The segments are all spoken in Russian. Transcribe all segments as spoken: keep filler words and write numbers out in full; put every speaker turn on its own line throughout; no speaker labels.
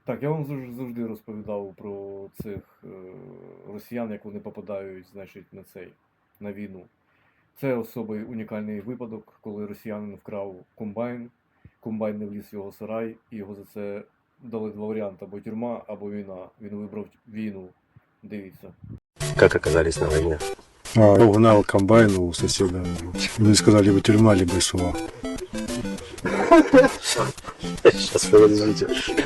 Так, я вам завж- завжди розповідав про цих е, росіян, як вони попадають, значить, на цей, на війну. Це особий унікальний випадок, коли росіянин вкрав комбайн, комбайн не вліз в його сарай, і його за це дали два варіанти: або тюрма, або війна. Він вибрав війну. Дивіться.
Как оказались на войне?
А, я угнал комбайн у соседа. Мне сказали, либо тюрьма, либо СУА.
Сейчас, подождите.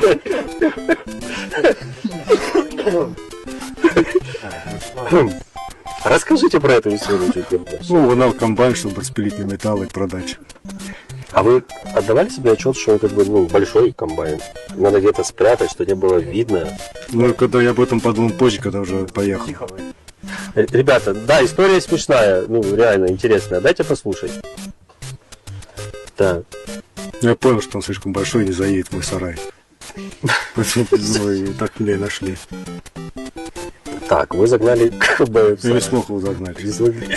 Расскажите про эту историю чуть больше.
Ну, угнал комбайн, чтобы распилить на металл и продать.
А вы отдавали себе отчет, что он как бы ну, большой комбайн? Надо где-то спрятать, что не было видно.
Ну, когда я об этом подумал позже, когда уже поехал.
Э, Ребята, да, история смешная, ну реально интересная. Дайте послушать. Так.
Я понял, что он слишком большой и не заедет в мой сарай. Поэтому и так меня и нашли.
Так, вы загнали комбайн в
Я не
сарай.
смог его загнать.
Не смогли.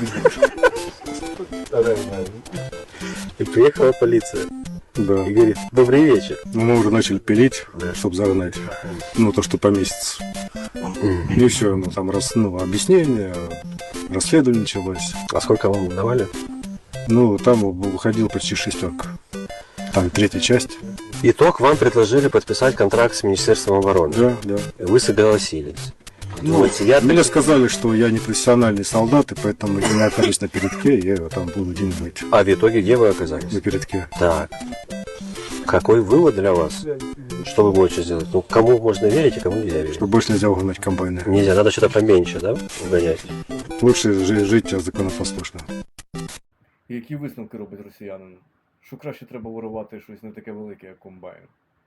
И приехала полиция.
Да.
И говорит, добрый вечер.
Но мы уже начали пилить,
Да.
чтобы загнать. Ну, то, что поместится. И все, ну, там рас, ну, объяснение, расследование началось.
А сколько вам давали?
Ну, там выходил почти шестерка. Там третья часть.
Итог, вам предложили подписать контракт с Министерством обороны.
Да, да.
Вы согласились.
Ну,
Вот, я
мне
так-
сказали, что я не профессиональный солдат, и поэтому я не окажусь на передке, я там буду где-нибудь
А в итоге где вы оказались?
на передке.
Так. Какой вывод для вас? Что вы будете сделать? Ну, кому можно верить, а кому нельзя верить?
Что больше нельзя угнать комбайны.
Нельзя, надо что-то поменьше, да, угонять?
Лучше жи- жить законопослушно.
Які висновки робить росіянин? Що краще треба ворувати щось не таке велике, як комбайн?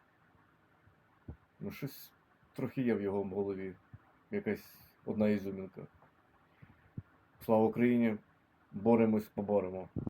Ну, щось трохи є в його голові. Якась одна ізюмінка. Слава Україні! Боремось, поборемо.